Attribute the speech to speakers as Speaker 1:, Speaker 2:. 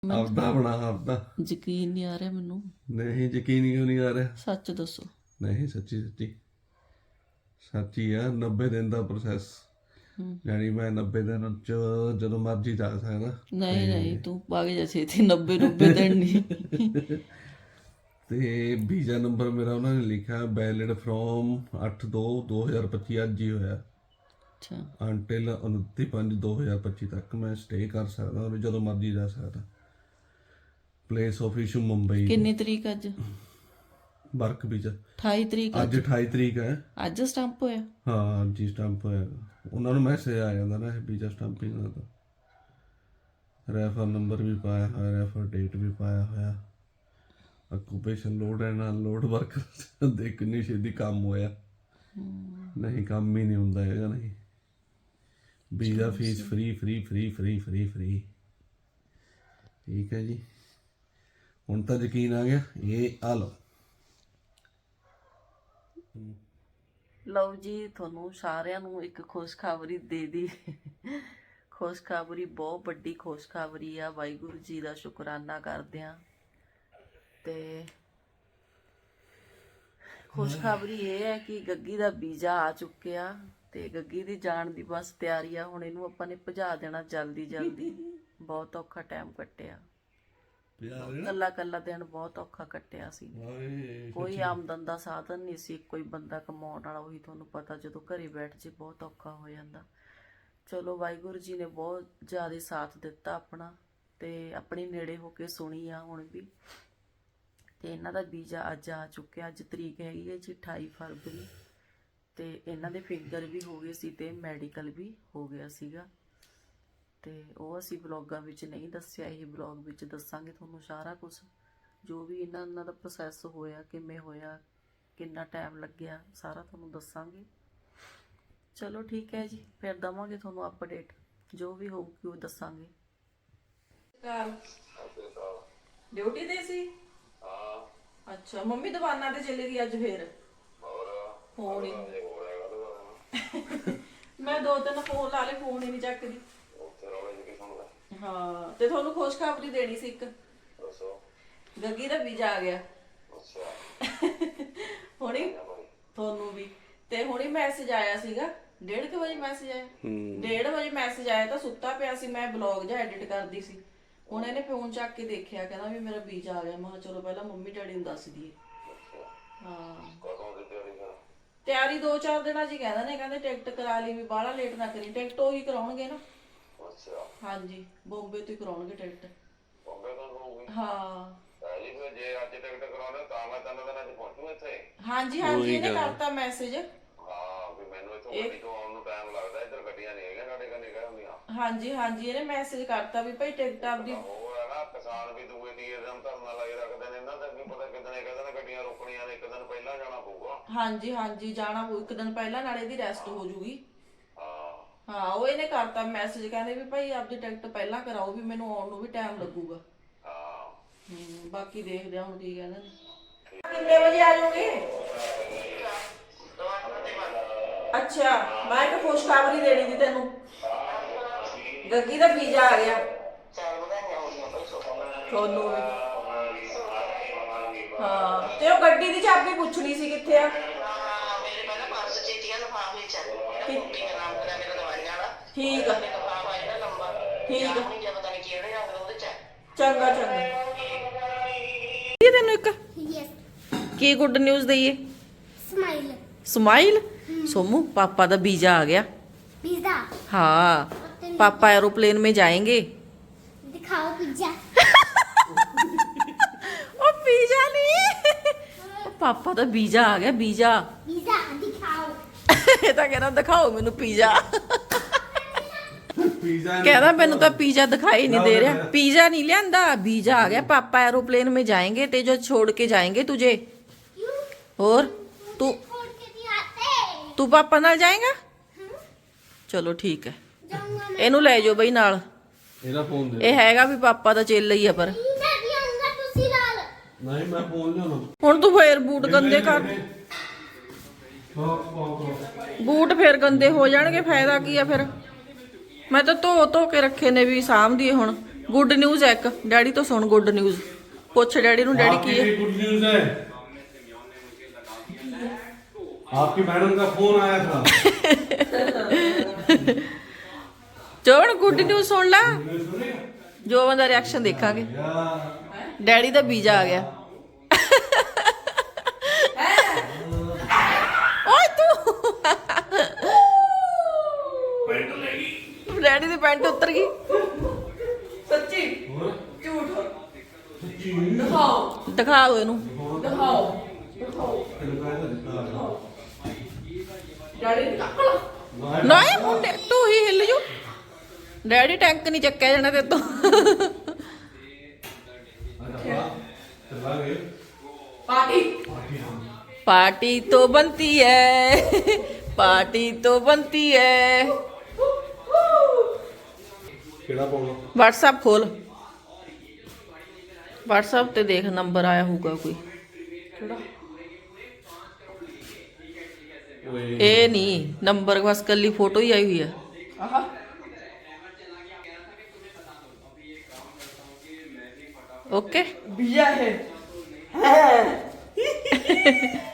Speaker 1: ਆਪਦਾ ਬਣਾ ਆਪਦਾ।
Speaker 2: ਯਕੀਨ ਨਹੀਂ ਆ ਰਿਹਾ ਮੈਨੂੰ।
Speaker 1: ਨਹੀਂ ਯਕੀਨ ਕਿਉਂ ਨਹੀਂ ਆ ਰਿਹਾ?
Speaker 2: ਸੱਚ ਦੱਸੋ।
Speaker 1: ਨਹੀਂ ਸੱਚੀ ਸੱਚੀ ਸੱਚੀ ਆ। 90 ਦਿਨ ਦਾ ਪ੍ਰੋਸੈਸ, ਯਾਨੀ ਮੈਂ 90 ਦਿਨ ਚ ਜਦੋਂ ਮਰਜ਼ੀ ਜਾ ਸਕਦਾ।
Speaker 2: ਨਹੀਂ ਨਹੀਂ ਤੂੰ ਭਾਗ ਜਾ ਛੇਤੀ। 90 ਦਿਨ ਨਹੀਂ।
Speaker 1: ਤੇ ਵੀਜ਼ਾ ਨੰਬਰ ਮੇਰਾ ਉਹਨਾਂ ਨੇ ਲਿਖਿਆ ਵੈਲਿਡ ਫਰੋਮ 8/2/2025 ਅੱਜ ਹੀ ਹੋਇਆ।
Speaker 2: ਅੱਛਾ
Speaker 1: ਅੰਟਿਲ 29/5/2025 ਤੱਕ ਮੈਂ ਸਟੇ ਕਰ ਸਕਦਾ ਔਰ ਜਦੋਂ ਮਰਜ਼ੀ ਜਾ ਸਕਦਾ। Place of issue Mumbai.
Speaker 2: ਕਿੰਨੀ ਤਰੀਕ ਅੱਜ?
Speaker 1: ਵਰਕ ਵੀਜ਼ਾ
Speaker 2: 28 ਤਰੀਕ
Speaker 1: ਅੱਜ 28 ਤਰੀਕ ਹੈ।
Speaker 2: ਅੱਜ ਸਟੰਪ ਹੋਇਆ?
Speaker 1: ਹਾਂ ਜੀ ਸਟੰਪ ਹੋਇਆ। ਉਹਨਾਂ ਨੂੰ ਮੈਸੇਜ ਆ ਜਾਂਦਾ ਨਾ ਵੀਜ਼ਾ ਸਟੰਪਿੰਗ ਦਾ। ਰੈਫਰ ਨੰਬਰ ਵੀ ਪਾਇਆ ਹੋਇਆ, ਰੈਫਰ ਡੇਟ ਵੀ ਪਾਇਆ ਹੋਇਆ। Occupation load and unload worker ਦੇ ਕਿੰਨੀ ਛੇਤੀ ਕੰਮ ਹੋਇਆ। ਨਹੀਂ ਕੰਮ ਹੀ ਨਹੀਂ ਹੁੰਦਾ ਹੈਗਾ। ਨਹੀਂ visa fee free free free free free free. ਠੀਕ ਹੈ ਜੀ, ਹੁਣ ਤਾਂ ਯਕੀਨ ਆ ਗਿਆ। ਇਹ ਆ ਲਓ।
Speaker 2: ਲਓ ਜੀ, ਤੁਹਾਨੂੰ ਸਾਰਿਆਂ ਨੂੰ ਇੱਕ ਖੁਸ਼ਖਬਰੀ ਦੇ ਦੀ। ਖੁਸ਼ਖਬਰੀ ਬਹੁਤ ਵੱਡੀ ਖੁਸ਼ਖਬਰੀ ਆ। ਵਾਹਿਗੁਰੂ ਜੀ ਦਾ ਸ਼ੁਕਰਾਨਾ ਕਰਦੇ ਆ। ਤੇ ਖੁਸ਼ਖਬਰੀ ਇਹ ਹੈ ਕਿ ਗੱਗੀ ਦਾ ਵੀਜ਼ਾ ਆ ਚੁੱਕਿਆ ਤੇ ਗੱਗੀ ਦੀ ਜਾਣ ਦੀ ਬਸ ਤਿਆਰੀ ਆ। ਹੁਣ ਇਹਨੂੰ ਆਪਾਂ ਨੇ ਭਜਾ ਦੇਣਾ ਜਲਦੀ ਜਲਦੀ। ਬਹੁਤ ਔਖਾ ਟਾਈਮ ਕੱਟਿਆ, ਕੱਲਾ ਦਿਨ ਬਹੁਤ ਔਖਾ ਕੱਟਿਆ ਸੀ। ਕੋਈ ਆਮਦਨ ਦਾ ਸਾਧਨ ਨਹੀਂ ਸੀ, ਕੋਈ ਬੰਦਾ ਕਮਾਉਣ ਵਾਲਾ। ਉਹੀ ਤੁਹਾਨੂੰ ਪਤਾ, ਜਦੋਂ ਘਰੇ ਬੈਠ ਜੇ ਬਹੁਤ ਔਖਾ ਹੋ ਜਾਂਦਾ। ਚਲੋ ਵਾਹਿਗੁਰੂ ਜੀ ਨੇ ਬਹੁਤ ਜ਼ਿਆਦਾ ਸਾਥ ਦਿੱਤਾ ਆਪਣਾ, ਤੇ ਆਪਣੀ ਨੇੜੇ ਹੋ ਕੇ ਸੁਣੀ ਆ ਹੁਣ ਵੀ। ਤੇ ਇਹਨਾਂ ਦਾ ਵੀਜ਼ਾ ਅੱਜ ਆ ਚੁੱਕਿਆ। ਅੱਜ ਤਰੀਕ ਹੈਗੀ ਹੈ ਜੀ 28 ਫਰਵਰੀ। ਤੇ ਇਹਨਾਂ ਦੇ ਫਿੰਗਰ ਵੀ ਹੋ ਗਏ ਸੀ ਤੇ ਮੈਡੀਕਲ ਵੀ ਹੋ ਗਿਆ ਸੀਗਾ। ਤੇ ਉਹ ਅਸੀਂ ਬਲੌਗਾਂ ਵਿੱਚ ਨਹੀਂ ਦੱਸਿਆ, ਇਹ ਬਲੌਗ ਵਿੱਚ ਦੱਸਾਂਗੇ ਤੁਹਾਨੂੰ ਸਾਰਾ ਕੁਝ, ਜੋ ਵੀ ਇਹਨਾਂ ਦਾ ਪ੍ਰੋਸੈਸ ਹੋਇਆ, ਕਿਵੇਂ ਹੋਇਆ, ਕਿੰਨਾ ਟਾਈਮ ਲੱਗਿਆ, ਸਾਰਾ ਤੁਹਾਨੂੰ ਦੱਸਾਂਗੇ। ਚਲੋ ਠੀਕ ਹੈ ਜੀ, ਫਿਰ ਦਵਾਂਗੇ ਤੁਹਾਨੂੰ ਅਪਡੇਟ, ਜੋ ਵੀ ਹੋਊਗੀ ਉਹ ਦੱਸਾਂਗੇ। ਡਿਊਟੀ ਤੇ ਸੀ? ਅੱਛਾ, ਮੰਮੀ ਦੁਕਾਨਾਂ ਤੇ ਚਲੀ ਗਈ ਅੱਜ ਫੇਰ? ਫੋਨ ਹੀ ਮੈਂ 2-3 ਫੋਨ ਲਾ ਲਏ, ਫੋਨ ਹੀ ਨਹੀਂ ਚੱਕਦੀ। ਹਾਂ, ਤੇ ਤੁਹਾਨੂੰ ਖੁਸ਼ਖਬਰੀ ਦੇਣੀ ਸੀ ਇੱਕ। ਗੱਗੀ ਦਾ ਵੀਜ਼ਾ ਆ ਗਿਆ ਹੁਣੀ, ਤੁਹਾਨੂੰ ਵੀ। ਤੇ ਹੁਣੀ ਮੈਸੇਜ ਆਇਆ ਸੀਗਾ 1:30 ਵਜੇ ਮੈਸੇਜ ਆਇਆ। 1:30 ਵਜੇ ਮੈਸੇਜ ਆਇਆ ਤਾਂ ਸੁੱਤਾ ਪਿਆ ਸੀ, ਮੈਂ ਬਲੌਗ ਜਿਹਾ ਐਡਿਟ ਕਰਦੀ ਸੀ। ਹੁਣ ਇਹਨੇ ਫੋਨ ਚੱਕ ਕੇ ਦੇਖਿਆ, ਕਹਿੰਦਾ ਵੀ ਮੇਰਾ ਵੀਜ਼ਾ ਆ ਗਿਆ। ਮੈਂ ਕਿਹਾ ਚਲੋ ਪਹਿਲਾਂ ਮੰਮੀ ਡੈਡੀ ਨੂੰ ਦੱਸ ਦਈਏ। ਹਾਂ, ਤਿਆਰੀ 2-4 ਦਿਨਾਂ ਚ ਕਹਿੰਦਾ ਨੇ। ਕਹਿੰਦੇ ਟਿਕਟ ਕਰਾ ਲਈ, ਵੀ ਬਾਹਲਾ ਲੇਟ ਨਾ ਕਰੀ। ਟਿਕਟ ਉਹੀ ਕਰਾਉਣਗੇ ਨਾ। ਹਾਂਜੀ, ਬੰਬੇ ਤੋਂ ਹੀ ਕਰਾਉਣਗੇ ਟਿਕਟ। ਹਾਂ
Speaker 3: ਜੇ ਅੱਜ ਟਿਕਟ ਕਰਾਉਣਾ ਤਾਂ ਮੈਂ 3 ਦਿਨਾਂ ਚ ਪਹੁੰਚੂ ਇੱਥੇ।
Speaker 2: ਹਾਂਜੀ ਹਾਂਜੀ, ਇਹਨੇ ਕਰਤਾ ਮੈਸੇਜ।
Speaker 3: ਹਾਂ ਵੀ ਮੈਨੂੰ ਇੱਥੋਂ ਗੱਡੀ ਤੋਂ ਆਉਣ ਨੂੰ ਟਾਈਮ ਲੱਗਦਾ, ਇੱਧਰ ਗੱਡੀਆਂ ਨਹੀਂ ਹੈਗੀਆਂ ਸਾਡੇ ਕੰਨੇ ਹੁੰਦੀਆਂ।
Speaker 2: ਹਾਂਜੀ ਹਾਂਜੀ, ਇਹਨੇ ਮੈਸੇਜ ਕਰਤਾ ਵੀ ਭਾਈ ਟਿਕਟ ਆਪਦੀ।
Speaker 3: ਉਹ ਹੈ ਨਾ, ਕਿਸਾਨ ਵੀ ਦੂਏ ਤੀਏ ਦਿਨ ਧਰਨਾ ਲਾਈ ਰੱਖਦੇ ਨੇ। ਇਹਨਾਂ ਦਾ ਵੀ ਪਤਾ ਕਿਦਣੇ ਕਹਿੰਦੇ ਨੇ ਗੱਡੀਆਂ ਰੋਕਣੀਆਂ ਨੇ, ਇੱਕ ਦਿਨ ਪਹਿਲਾਂ ਜਾਣਾ ਪਊਗਾ।
Speaker 2: ਹਾਂਜੀ ਹਾਂਜੀ, ਜਾਣਾ ਪਊ ਇੱਕ ਦਿਨ ਪਹਿਲਾਂ, ਨਾਲੇ ਇਹਦੀ ਰੈਸਟ ਹੋ ਜੂਗੀ।
Speaker 3: ਹਾਂ
Speaker 2: ਹਾਂ, ਉਹ ਇਹਨੇ ਕਰਤਾ ਮੈਸੇਜ, ਕਹਿੰਦੇ ਵੀ ਭਾਈ ਆਪਦੀ ਟਿਕਟ ਪਹਿਲਾਂ ਕਰਾਓ, ਵੀ ਮੈਨੂੰ ਆਉਣ ਨੂੰ ਵੀ ਟਾਈਮ ਲੱਗੂਗਾ। ਬਾਕੀ ਦੇਖਦੇ ਹਾਂ ਹੁਣ ਕੀ ਕਹਿੰਦੇ ਨੇ। ਕਿੰਨੇ ਵਜੇ ਆ ਜਾਓਗੇ? ਅੱਛਾ, ਮੈਂ ਇੱਕ ਖੁਸ਼ਖਬਰੀ ਦੇਣੀ ਸੀ ਤੈਨੂੰ। ਗੱਗੀ ਦਾ ਵੀਜ਼ਾ ਆ ਗਿਆ ਤੁਹਾਨੂੰ ਵੀ। ਹਾਂ, ਤੇ ਉਹ ਗੱਡੀ ਦੀ ਚਾਬੀ ਪੁੱਛਣੀ ਸੀ ਕਿੱਥੇ ਆ। ਠੀਕ ਆ ਠੀਕ ਆ, ਚੰਗਾ ਚੰਗਾ। ਤੈਨੂੰ ਇੱਕ ਕੀ ਗੁੱਡ ਨਿਊਜ਼ ਦਈਏ?
Speaker 4: Smile
Speaker 2: smile. सोमू पापा का वीजा आ गया।
Speaker 4: पिज़्ज़ा?
Speaker 2: हाँ, पापा एरोप्लेन में जाएंगे।
Speaker 4: दिखाओ पिज़्ज़ा।
Speaker 2: ओ पिज़्ज़ा नहीं, पापा का वीजा आ गया। वीजा
Speaker 4: पिज़्ज़ा दिखाओ।
Speaker 2: ये तो कहना दिखाओ मैनू पिज़्ज़ा। कहना मैनू तो पिज़्ज़ा दिखाई नहीं दे रहा। पिज़्ज़ा नहीं लिया, वीजा आ गया। पापा एरोप्लेन में जाएंगे ते जो छोड़ के जाएंगे तुझे। और तू पापा नाल जाएगा? चलो ठीक है, ਇਹਨੂੰ ਲੈ ਜਾਓ ਬਈ ਨਾਲ।
Speaker 1: ਇਹਦਾ ਫੋਨ ਦੇ।
Speaker 2: ਇਹ ਹੈਗਾ ਵੀ ਪਾਪਾ ਦਾ ਚੇਲਾ ਹੀ ਆ, ਪਰ
Speaker 4: मैं भी आऊंगा तुसी नाल।
Speaker 1: ਨਹੀਂ ਮੈਂ ਫੋਨ ਲਿਆਉਣਾ।
Speaker 2: ਹੁਣ ਤੂੰ ਫੇਰ ਬੂਟ ਗੰਦੇ ਕਰ। ਬੂਟ ਫੇਰ ਗੰਦੇ ਹੋ ਜਾਣਗੇ, ਫਾਇਦਾ ਕੀ ਆ ਫਿਰ। ਮੈਂ ਤਾਂ ਧੋ ਕੇ ਰੱਖੇ ਨੇ ਵੀ ਸਾਂਭਦੀਏ ਹੁਣ। ਗੁੱਡ ਨਿਊਜ਼ ਹੈ ਇੱਕ ਡੈਡੀ ਤੋਂ ਸੁਣ ਗੁੱਡ ਨਿਊਜ਼ ਪੁੱਛ ਡੈਡੀ ਨੂੰ ਡੈਡੀ ਕੀ ਹੈ
Speaker 1: गुड न्यूज है आपकी मैडम का फोन आया था
Speaker 2: ਚੋਣ ਗੁੱਡ ਨਿਊਜ਼ ਸੁਣ ਲਾ ਜੋ ਬੰਦਾ ਰਿਐਕਸ਼ਨ ਦੇਖਾਂਗੇ ਡੈਡੀ ਦਾ ਵੀਜ਼ਾ ਆ ਗਿਆ ਓਏ ਤੂੰ
Speaker 1: पेंट लेगी
Speaker 2: ਡੈਡੀ ਦੀ ਪੈਂਟ ਉਤਰ ਗਈ
Speaker 5: ਸੱਚੀ ਝੂਠ ਦਿਖਾਓ
Speaker 2: ਦਿਖਾਓ ਇਹਨੂੰ
Speaker 5: ਦਿਖਾਓ ਡੈਡੀ ਦੀ ਕੱਪੜਾ
Speaker 2: ਨਹੀਂ ਮੁੰਡੇ ਤੂੰ ਹੀ ਹਿੱਲ ਜੂ ਡੈਡੀ ਟੈਂਕ ਨਹੀਂ ਚੱਕਿਆ ਜਾਣਾ ਤੇ ਤੋਂ
Speaker 5: ਪਾਰਟੀ
Speaker 2: पार्टी तो बनती है पार्टी तो बनती है
Speaker 1: केड़ा पाउना
Speaker 2: व्हाट्सएप खोल व्हाट्सएप ते देख नंबर आया होगा कोई
Speaker 1: ओए
Speaker 2: ए नहीं नंबर बस कली फोटो ही आई हुई है
Speaker 5: ਆਹਾ
Speaker 2: ओके
Speaker 5: ਵੀਜ਼ਾ ਹੈ